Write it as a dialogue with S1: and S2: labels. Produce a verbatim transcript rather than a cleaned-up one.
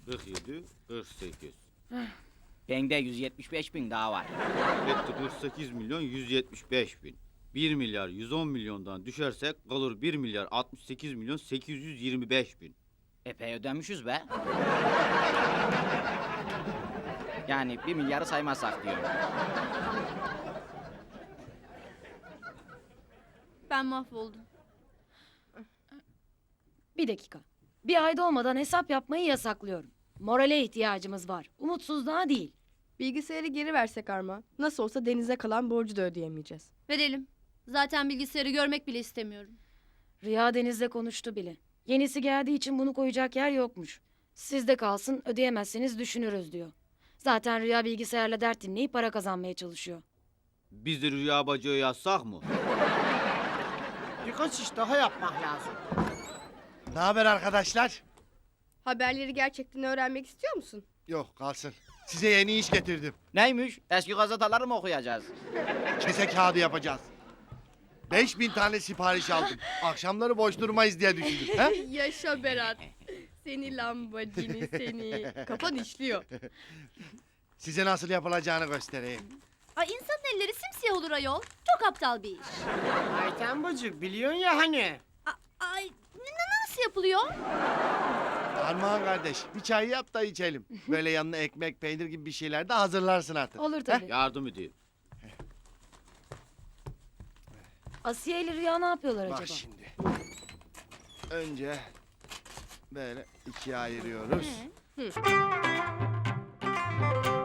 S1: kırk yedi, kırk sekiz.
S2: Bende yüz yetmiş beş bin daha var.
S1: Etti kırk sekiz milyon yüz yetmiş beş bin. bir milyar yüz on milyondan düşersek kalır bir milyar altmış sekiz milyon sekiz yüz yirmi beş bin.
S2: Epey ödemişiz be. Yani bir milyarı saymazsak diyorum.
S3: Ben mahvoldum.
S4: Bir dakika. Bir ayda olmadan hesap yapmayı yasaklıyorum. Morale ihtiyacımız var. Umutsuzluğa değil.
S5: Bilgisayarı geri versek Armağan. Nasıl olsa Deniz'e kalan borcu da ödeyemeyeceğiz.
S3: Verelim. Zaten bilgisayarı görmek bile istemiyorum.
S4: Rüya Deniz'le konuştu bile. Yenisi geldiği için bunu koyacak yer yokmuş. Sizde kalsın, ödeyemezseniz düşünürüz diyor. Zaten Rüya bilgisayarla dert dinleyip para kazanmaya çalışıyor.
S1: Biz de Rüya bacıya yazsak mı?
S6: Birkaç iş daha yapmak lazım.
S7: Ne haber arkadaşlar?
S5: Haberleri gerçekten öğrenmek istiyor musun?
S7: Yok kalsın. Size yeni iş getirdim.
S2: Neymiş? Eski gazeteleri mi okuyacağız?
S7: Kese kağıdı yapacağız. Beş bin tane sipariş aldım. Akşamları boş durmayız diye düşündüm. He?
S5: Yaşa Berat. Seni lambacini seni. Kafan işliyor.
S7: Size nasıl yapılacağını göstereyim.
S3: Ay insanın elleri simsiyah olur ayol. Çok aptal bir iş.
S6: Ayten bacı biliyorsun ya hani.
S3: A- ay n- nasıl yapılıyor?
S7: Armağan kardeş bir çay yap da içelim. Böyle yanına ekmek, peynir gibi bir şeyler de hazırlarsın artık.
S4: Olur tabii.
S1: Yardım edeyim.
S4: Asiye ile Rüya ne yapıyorlar
S7: Bak
S4: acaba?
S7: şimdi. Önce böyle ikiye ayırıyoruz.